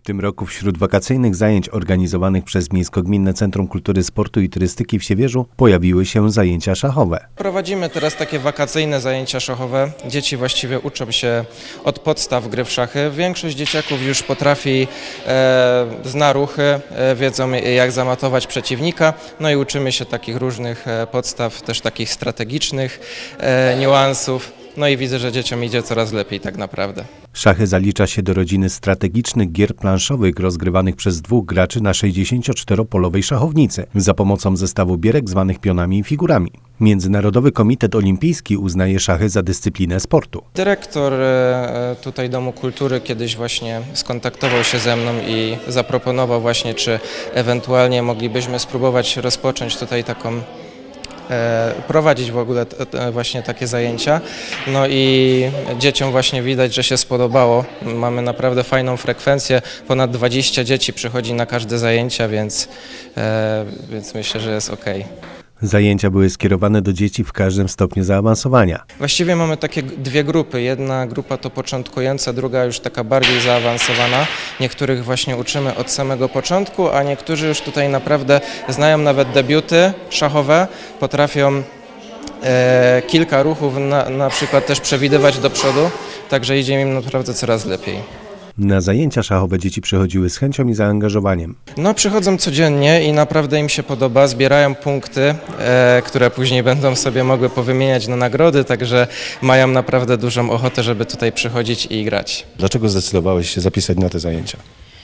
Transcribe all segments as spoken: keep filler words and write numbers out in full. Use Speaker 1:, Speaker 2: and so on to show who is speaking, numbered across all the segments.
Speaker 1: tym roku wśród wakacyjnych zajęć organizowanych przez Miejsko-Gminne Centrum Kultury, Sportu i Turystyki w Siewierzu pojawiły się zajęcia szachowe. Prowadzimy teraz takie wakacyjne zajęcia szachowe. Dzieci właściwie uczą się od podstaw gry w szachy. Większość dzieciaków już potrafi, e, zna ruchy, e, wiedzą jak zamatować przeciwnika. No i uczymy się takich różnych e, podstaw, też takich strategicznych e, niuansów. No i widzę, że dzieciom idzie coraz lepiej tak naprawdę. Szachy zalicza się do rodziny strategicznych gier planszowych rozgrywanych przez dwóch graczy na sześćdziesięcioczteropolowej szachownicy za pomocą zestawu bierek zwanych pionami i figurami. Międzynarodowy Komitet Olimpijski uznaje szachy za dyscyplinę sportu. Dyrektor tutaj Domu Kultury kiedyś właśnie skontaktował się ze mną i zaproponował właśnie, czy ewentualnie moglibyśmy spróbować rozpocząć tutaj taką prowadzić w ogóle właśnie takie zajęcia. No i dzieciom właśnie widać, że się spodobało. Mamy naprawdę fajną frekwencję. Ponad dwadzieścia dzieci przychodzi na każde zajęcia, więc, więc myślę, że jest ok. Zajęcia były skierowane do dzieci w każdym stopniu zaawansowania. Właściwie mamy takie dwie grupy. Jedna grupa to początkująca, druga już taka bardziej zaawansowana. Niektórych właśnie uczymy od samego początku, a niektórzy już tutaj naprawdę znają nawet debiuty szachowe, potrafią e, kilka ruchów na, na przykład też przewidywać do przodu, także idzie im naprawdę coraz lepiej. Na zajęcia szachowe dzieci przychodziły z chęcią i zaangażowaniem. No przychodzą codziennie i naprawdę im się podoba, zbierają punkty, e, które później będą sobie mogły powymieniać na nagrody, także mają naprawdę dużą ochotę, żeby tutaj przychodzić i grać.
Speaker 2: Dlaczego zdecydowałeś się zapisać na te zajęcia?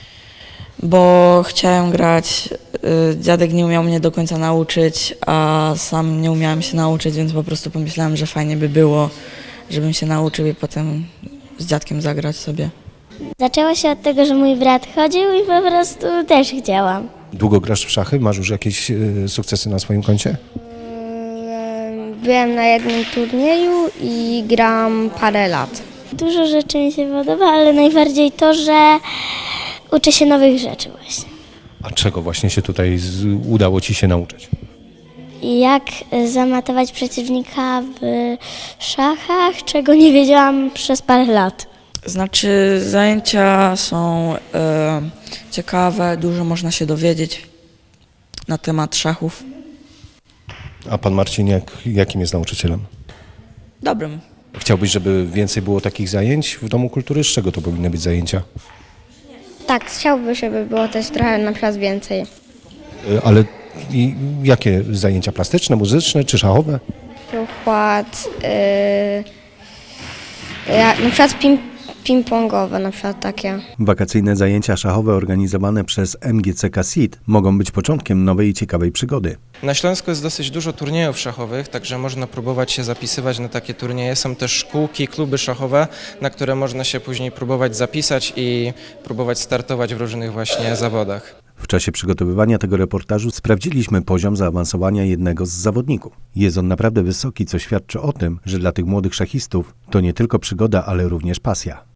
Speaker 3: Bo chciałem grać, dziadek nie umiał mnie do końca nauczyć, a sam nie umiałem się nauczyć, więc po prostu pomyślałem, że fajnie by było, żebym się nauczył i potem z dziadkiem zagrać sobie.
Speaker 4: Zaczęło się od tego, że mój brat chodził i po prostu też chciałam.
Speaker 2: Długo grasz w szachy? Masz już jakieś y, sukcesy na swoim koncie?
Speaker 5: Byłem na jednym turnieju i gram parę lat.
Speaker 4: Dużo rzeczy mi się podoba, ale najbardziej to, że uczę się nowych rzeczy właśnie.
Speaker 2: A czego właśnie się tutaj z, udało Ci się nauczyć?
Speaker 4: Jak zamatować przeciwnika w szachach, czego nie wiedziałam przez parę lat.
Speaker 3: Znaczy zajęcia są e, ciekawe, dużo można się dowiedzieć na temat szachów.
Speaker 2: A pan Marcin jak, jakim jest nauczycielem?
Speaker 3: Dobrym.
Speaker 2: Chciałbyś, żeby więcej było takich zajęć w Domu Kultury? Z czego to powinny być zajęcia?
Speaker 5: Tak, chciałbym, żeby było też trochę na przykład więcej.
Speaker 2: Y, ale i, jakie zajęcia? Plastyczne, muzyczne czy szachowe?
Speaker 5: Na przykład, yy, ja, na przykład ping, ping-pongowe, na przykład takie.
Speaker 1: Wakacyjne zajęcia szachowe organizowane przez M G C K S I T mogą być początkiem nowej i ciekawej przygody. Na Śląsku jest dosyć dużo turniejów szachowych, także można próbować się zapisywać na takie turnieje. Są też szkółki, kluby szachowe, na które można się później próbować zapisać i próbować startować w różnych właśnie zawodach. W czasie przygotowywania tego reportażu sprawdziliśmy poziom zaawansowania jednego z zawodników. Jest on naprawdę wysoki, co świadczy o tym, że dla tych młodych szachistów to nie tylko przygoda, ale również pasja.